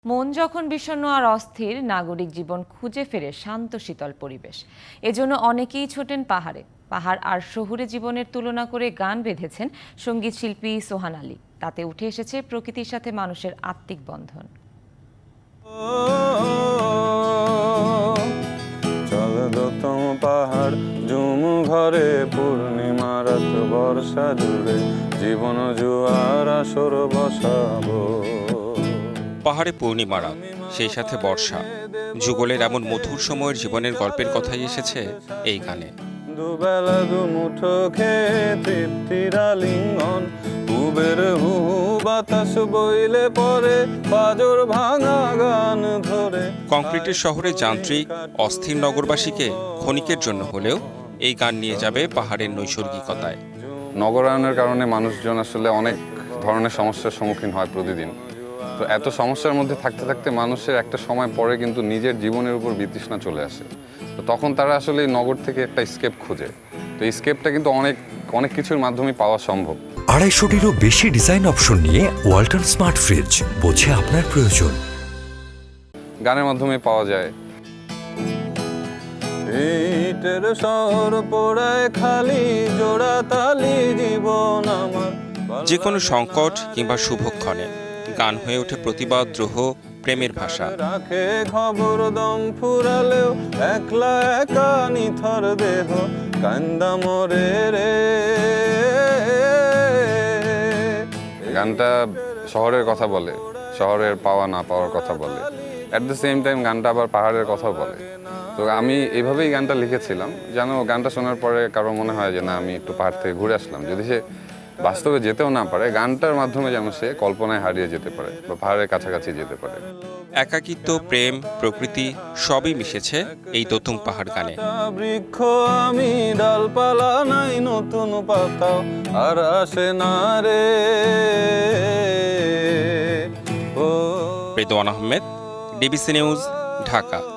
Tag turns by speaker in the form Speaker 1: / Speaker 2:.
Speaker 1: মন যখন বিষণ্ণ আর অস্থির, নাগরিক জীবন খুঁজে ফেরে শান্ত শীতল পরিবেশ। এজন্য অনেকেই ছোটেন পাহাড়ে। পাহাড় আর শহুরে জীবনের তুলনা করে গান বেঁধেছেন সঙ্গীত শিল্পী সোহান আলী। তাতে উঠে এসেছে প্রকৃতির সাথে মানুষের আত্মিক বন্ধন।
Speaker 2: পাহাড় ঝুম ঘরে পূর্ণিমা রাত বর্ষা জুড়ে জীবন জুয়ার আসর বসাবো।
Speaker 3: পাহাড়ে পূর্ণিমা রাত, সেই সাথে বর্ষা, যুগলের এমন মধুর সময়ের জীবনের গল্পের কথাই এসেছে এই গানে।
Speaker 2: দুবেলা দুমুঠো খেয়ে তৃপ্তির আলিঙ্গন, উবের হু বাতাস বইলে পরে পাজর ভাঙা গান ধরে।
Speaker 3: কংক্রিটের শহরে যান্ত্রিক অস্থির নগরবাসীকে ক্ষণিকের জন্য হলেও এই গান নিয়ে যাবে পাহাড়ের নৈসর্গিকতায়।
Speaker 2: নগরায়নের কারণে মানুষজন আসলে অনেক ধরনের সমস্যার সম্মুখীন হয় প্রতিদিন। তো এত সমস্যার মধ্যে থাকতে থাকতে মানুষের একটা সময় পরে কিন্তু নিজের জীবনের উপর বিতৃষ্ণা চলে আসে। তো তখন তারা আসলে এই নগর থেকে একটা স্কেপ খোঁজে। তো এই স্কেপটা কিন্তু অনেক কিছুর মাধ্যমে পাওয়া সম্ভব।
Speaker 4: 250-টিরও বেশি ডিজাইন অপশন নিয়ে ওয়ালটন স্মার্ট ফ্রিজ, বোঝে আপনার প্রয়োজন।
Speaker 2: গানের মাধ্যমে পাওয়া যায়। ইটের শহর পোড়ায় খালি জোড়া তালি জীবন আমার।
Speaker 3: যে কোনো সংকট কিংবা শুভক্ষণে গান হয়ে ওঠে প্রতিবাদ, দ্রোহ, প্রেমের ভাষা।
Speaker 2: রাখে খবর দম ফুরালেও একলা একা নিথর দেহ কান্দা মরে রে। গানটা শহরের কথা বলে, শহরের পাওয়া না পাওয়ার কথা বলে। অ্যাট দ্য সেম টাইম গানটা আবার পাহাড়ের কথাও বলে। তো আমি এইভাবেই গানটা লিখেছিলাম যেন গানটা শোনার পরে কারো মনে হয় যে না, আমি একটু পাহাড় থেকে ঘুরে আসলাম। যদি সে বাস্তবে যেতেও না পারে, গানটার মাধ্যমে যেন সে কল্পনায় হারিয়ে যেতে পারে বা পাহাড়ের কাছাকাছি যেতে পারে।
Speaker 3: একাকিত্ব, প্রেম, প্রকৃতি সবই মিশেছে এই দোতুং পাহাড় গানে।
Speaker 2: বৃক্ষ আমি, ডালপালা নাই নতুন পাতা আর আসে না রে।
Speaker 3: Redwan Ahmed, DBC news, Dhaka.